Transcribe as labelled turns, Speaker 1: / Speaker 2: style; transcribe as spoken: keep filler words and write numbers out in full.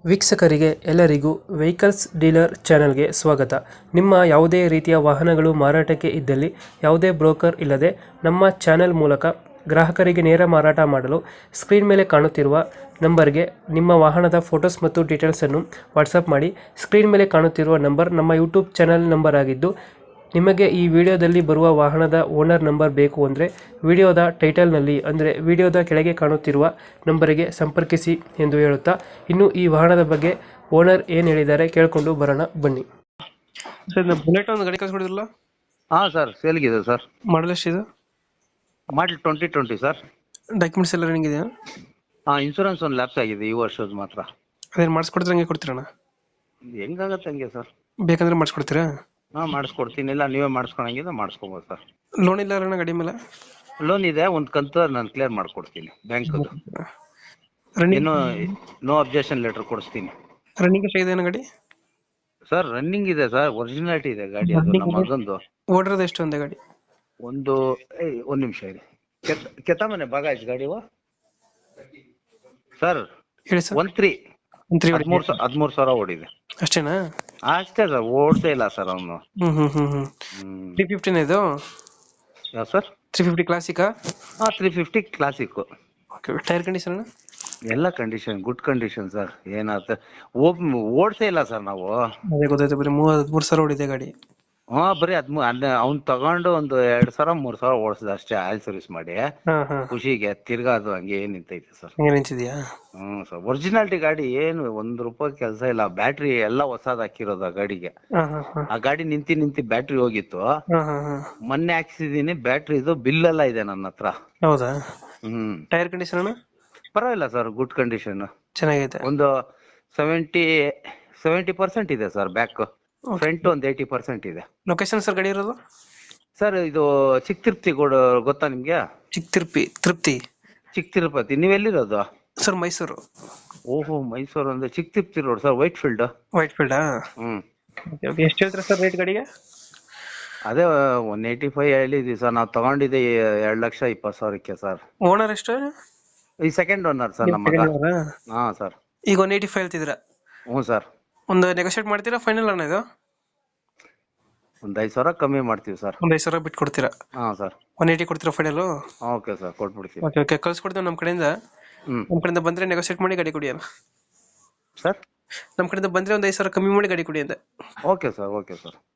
Speaker 1: ವೀಕ್ಷಕರಿಗೆ ಎಲ್ಲರಿಗೂ vehicles dealer ಚಾನೆಲ್ಗೆ ಸ್ವಾಗತ. ನಿಮ್ಮ ಯಾವುದೇ ರೀತಿಯ ವಾಹನಗಳು ಮಾರಾಟಕ್ಕೆ ಇದ್ದಲ್ಲಿ ಯಾವುದೇ ಬ್ರೋಕರ್ ಇಲ್ಲದೆ ನಮ್ಮ ಚಾನೆಲ್ ಮೂಲಕ ಗ್ರಾಹಕರಿಗೆ ನೇರ ಮಾರಾಟ ಮಾಡಲು ಸ್ಕ್ರೀನ್ ಮೇಲೆ ಕಾಣುತ್ತಿರುವ ನಂಬರ್ಗೆ ನಿಮ್ಮ ವಾಹನದ ಫೋಟೋಸ್ ಮತ್ತು ಡೀಟೇಲ್ಸನ್ನು ವಾಟ್ಸಪ್ ಮಾಡಿ. ಸ್ಕ್ರೀನ್ ಮೇಲೆ ಕಾಣುತ್ತಿರುವ ನಂಬರ್ ನಮ್ಮ ಯೂಟ್ಯೂಬ್ ಚಾನೆಲ್ ನಂಬರ್ ಆಗಿದ್ದು, ನಿಮಗೆ ಈ ವಿಡಿಯೋದಲ್ಲಿ ಬರುವ ವಾಹನದ ಓನರ್ ನಂಬರ್ ಬೇಕು ಅಂದರೆ ವಿಡಿಯೋದ ಟೈಟಲ್ನಲ್ಲಿ ಅಂದರೆ ವಿಡಿಯೋದ ಕೆಳಗೆ ಕಾಣುತ್ತಿರುವ ನಂಬರಿಗೆ ಸಂಪರ್ಕಿಸಿ ಎಂದು ಹೇಳುತ್ತಾ, ಇನ್ನು ಈ ವಾಹನದ ಬಗ್ಗೆ ಓನರ್ ಏನು ಹೇಳಿದ್ದಾರೆ ಕೇಳಿಕೊಂಡು ಬರೋಣ ಬನ್ನಿ. ಸರ್, ಬುಲೆಟ್ ಒಂದು ಗಾಡಿ ಕಳಿಸ್ಕೊಡಿದ್ರಲ್ಲ,
Speaker 2: ಹಾ ಸರ್, ಸೇಲ್ಗಿದೆ ಸರ್.
Speaker 1: ಮಾಡಲ್ ಎಷ್ಟಿದೆ?
Speaker 2: Model twenty twenty sir.
Speaker 1: Documents ಎಲ್ಲ ರನ್ನಿಂಗ್ ಇದೆಯಾ?
Speaker 2: ಹಾ, ಇನ್ಸೂರೆನ್ಸ್ ಒಂದು ಲ್ಯಾಪ್ಸ್ ಆಗಿದೆ ಈ ವರ್ಷದ ಮಾತ್ರ.
Speaker 1: ಅದೇನು ಮಾಡಿಸ್ಕೊಡ್ತೀರ, ಹಂಗೆ ಕೊಡ್ತೀರಣ್ಣ?
Speaker 2: ಹೆಂಗಾಗತ್ತೆ ಹಂಗೆ ಸರ್.
Speaker 1: ಬೇಕಂದ್ರೆ ಮಾಡಿಸ್ಕೊಡ್ತೀರಾ?
Speaker 2: ಹಾ, ಮಾಡಿಸ್ಕೊಡ್ತೀನಿ. ಇಲ್ಲ ನೀವೇ ಮಾಡಿಸ್ಕೊಳಂಗಿದ್ರೆ ಮಾಡಿಸ್ಕೊಬೋದು ಸರ್.
Speaker 1: ಲೋನ್ ಇಲ್ಲ ಅಣ್ಣ ಗಾಡಿ ಮೇಲೆ?
Speaker 2: ಲೋನ್ ಇದೆ, ಒಂದು ಕಂತು ನಾನು ಕ್ಲಿಯರ್ ಮಾಡ್ಕೊಡ್ತೀನಿ ಬ್ಯಾಂಕ್.
Speaker 1: ರನ್ನಿಂಗ್
Speaker 2: ಏನು ನೋ ಅಬ್ಜೆಕ್ಷನ್ ಲೆಟರ್ ಕೊಡಿಸ್ತೀನಿ.
Speaker 1: ರನ್ನಿಂಗ್ ಎಷ್ಟಾಗಿದೆ ಅಣ್ಣ ಗಾಡಿ?
Speaker 2: ಸರ್ ರನ್ನಿಂಗ್ ಇದೆ ಸರ್, ಒರಿಜಿನಾಲಿಟಿ ಇದೆ ಗಾಡಿ. ಅದು ನಮ್ಮ ಮಗಂದು.
Speaker 1: ಓಡಿರೋದು ಎಷ್ಟು ಒಂದೇ ಗಾಡಿ?
Speaker 2: ಒಂದು ಏಯ್, ಒಂದ್ ನಿಮಿಷ ಇದೆ. ಕೆತ್ತ ಕೆತ್ತ ಮನೆ ಭಾಗ ಆಯ್ತು ಗಾಡಿ ಸರ್.
Speaker 1: ಹೇಳಿ ಸರ್.
Speaker 2: ಒನ್ ತ್ರೀ
Speaker 1: ಒಂದು ತ್ರೀ
Speaker 2: ಹದಿಮೂರು ಹದಿಮೂರು ಸಾವಿರ ಓಡಿದೆ
Speaker 1: ಅಷ್ಟೇನಾ?
Speaker 2: ಅಷ್ಟೇ ಸರ್, ಓಡ್ಸೇ ಇಲ್ಲ ಸರ್ ಅವನು.
Speaker 1: ಹ್ಮ್ ಹ್ಮ್ ಹ್ಮ್ ಹ್ಮ್
Speaker 2: ಹ್ಮ್
Speaker 1: ತ್ರೀ ಫಿಫ್ಟಿನ ಇದು?
Speaker 2: ಯಾವ ಸರ್?
Speaker 1: ತ್ರೀ ಫಿಫ್ಟಿ ಕ್ಲಾಸಿಕಾ?
Speaker 2: ಹಾ, three fifty classic.
Speaker 1: Okay. Tyre condition?
Speaker 2: ಎಲ್ಲ ಕಂಡೀಷನ್ ಗುಡ್ ಕಂಡೀಷನ್ ಸರ್. ಏನಾಗುತ್ತೆ, ಓಡ್ಸೇ ಇಲ್ಲ ಸರ್ ನಾವು.
Speaker 1: ಅದೇ ಗೊತ್ತಾಯ್ತು, ಬರೀ ಮೂವತ್ತು ಹದಿಮೂರು ಸಾವಿರ ಹೊಡಿದೆ ಗಾಡಿ.
Speaker 2: ಹಾ, ಬರೀ ಹದ್ಮೂ ಅವ್ನ್ ತಗೊಂಡು ಒಂದು ಎರಡ್ ಸಾವಿರ ಮೂರ್ ಸಾವಿರ ಓಡಿಸಿದ ಅಷ್ಟೇ, ಆಯಿಲ್ ಸರ್ವಿಸ್ ಮಾಡಿ
Speaker 1: ಹಾ ಹಾ
Speaker 2: ಖುಷಿಗೆ. ತಿರ್ಗಾ ಅದು ಹಂಗೆ ನಿಂತೈತೆ ಸರ್.
Speaker 1: ಹಂಗೆ ನಿಂತಿದ್ಯಾ?
Speaker 2: ಹ್ಮ್ ಸರ್, ಒರಿಜಿನಾಲಿಟಿ ಗಾಡಿ, ಏನು ಒಂದ್ ರೂಪಾಯಿ ಕೆಲಸ ಇಲ್ಲ. ಬ್ಯಾಟ್ರಿ ಎಲ್ಲ ಹೊಸಾದ್ ಹಾಕಿರೋದು ಆ ಗಾಡಿಗೆ.
Speaker 1: ಹಾ ಹಾ ಹಾ
Speaker 2: ಆ ಗಾಡಿ ನಿಂತಿ ನಿಂತಿ ಬ್ಯಾಟ್ರಿ ಹೋಗಿತ್ತು.
Speaker 1: ಹಾ ಹಾ ಹಾ
Speaker 2: ಮೊನ್ನೆ ಹಾಕ್ಸಿದೀನಿ, ಬ್ಯಾಟ್ರಿ ಇದು ಬಿಲ್ ಎಲ್ಲ ಇದೆ ನನ್ನ ಹತ್ರ.
Speaker 1: ಹೌದಾ?
Speaker 2: ಹ್ಮ್
Speaker 1: ಟೈರ್ ಕಂಡೀಷನ್ ಅಣ್ಣ?
Speaker 2: ಪರವಾಗಿಲ್ಲ ಸರ್, ಗುಡ್ ಕಂಡೀಷನ್.
Speaker 1: ಚೆನ್ನಾಗೈತೆ.
Speaker 2: ಒಂದು ಸೆವೆಂಟಿ ಸೆವೆಂಟಿ ಪರ್ಸೆಂಟ್ ಇದೆ ಸರ್ ಬ್ಯಾಕ್. ಫ್ರಂಟ್ ಒಂದು ಏಯ್ಟಿ ಪರ್ಸೆಂಟ್ ಇದೆ.
Speaker 1: ಲೊಕೇಶನ್ ಸರ್ ಗಾಡಿ ಇರೋದು?
Speaker 2: ಸರ್ ಇದು ಚಿಕ್ಕ ತಿರುಪತಿ ಗೋಡು ಗೊತ್ತಾ ನಿಮ್ಗೆ?
Speaker 1: ಚಿಕ್ಕ ತಿರುಪತಿ ತೃಪ್ತಿ
Speaker 2: ಚಿಕ್ಕ ತಿರುಪತಿ. ನೀವೆಲ್ಲಿರೋದು
Speaker 1: ಸರ್? ಮೈಸೂರು.
Speaker 2: ಓಹೋ, ಮೈಸೂರು ಅಂದ್ರೆ Chikka Tirupati road sir, Whitefield.
Speaker 1: ವೈಟ್ ಫೀಲ್ಡಾ?
Speaker 2: ಹ್ಮ್.
Speaker 1: ಎಷ್ಟು ಹೇಳ್ತೀರಾ ಸರ್ ರೇಟ್ ಗಾಡಿಗೆ?
Speaker 2: ಅದೇ ಒನ್ ಏಯ್ಟಿ ಫೈವ್ ಹೇಳಿದ್ವಿ ಸರ್. ನಾವು ತಗೊಂಡಿದ್ದೆ ಎರಡ್ ಲಕ್ಷ ಇಪ್ಪತ್ತು ಸಾವಿರಕ್ಕೆ ಸರ್.
Speaker 1: ಓನರ್ ಎಷ್ಟು?
Speaker 2: ಈ ಸೆಕೆಂಡ್ ಓನರ್ ಸರ್ ನಮ್ಮ ಮಗ. ಹಾ ಸರ್.
Speaker 1: ಈಗ ಒನ್ ಏಯ್ಟಿ ಫೈವ್ ಹೇಳ್ತಿದ್ದೀರಾ?
Speaker 2: ಹ್ಞೂ ಸರ್.
Speaker 1: ಒಂದು ನೆಗೋಶಿಯೇಟ್ ಮಾಡ್ತೀರಾ ಫೈನಲ್ ಅಣ್ಣ ಇದು?
Speaker 2: ಒಂದ್ ಐದು ಸಾವಿರ ಕಮ್ಮಿ ಮಾಡ್ತೀವಿ ಸರ್.
Speaker 1: ಒಂದ್ ಐದು ಸಾವಿರ ಬಿಟ್ಟು ಕೊಡ್ತೀರಾ?
Speaker 2: ಹಾ ಸರ್.
Speaker 1: ಒನ್ ಏಯ್ಟಿ ಕೊಡ್ತೀರಾ ಫೈನಲ್?
Speaker 2: ಓಕೆ ಸರ್, ಕೊಟ್ಬಿಡ್ತೀವಿ.
Speaker 1: ಓಕೆ ಓಕೆ, ಕಳ್ಸ್ಕೊಡ್ತೀವಿ ನಮ್ಮ ಕಡೆಯಿಂದ.
Speaker 2: ಹ್ಮ್.
Speaker 1: ನಮ್ಮ ಕಡೆಯಿಂದ ಬಂದ್ರೆ ನೆಗೋಶಿಯೇಟ್ ಮಾಡಿ ಗಾಡಿ ಕೊಡಿ ಅಣ್ಣ.
Speaker 2: ಸರ್
Speaker 1: ನಮ್ಮ ಕಡೆಯಿಂದ ಬಂದ್ರೆ ಒಂದ್ ಐದು ಸಾವಿರ ಕಮ್ಮಿ ಮಾಡಿ ಗಾಡಿ ಕೊಡಿ ಅಂದೆ.
Speaker 2: Okay sir, okay sir.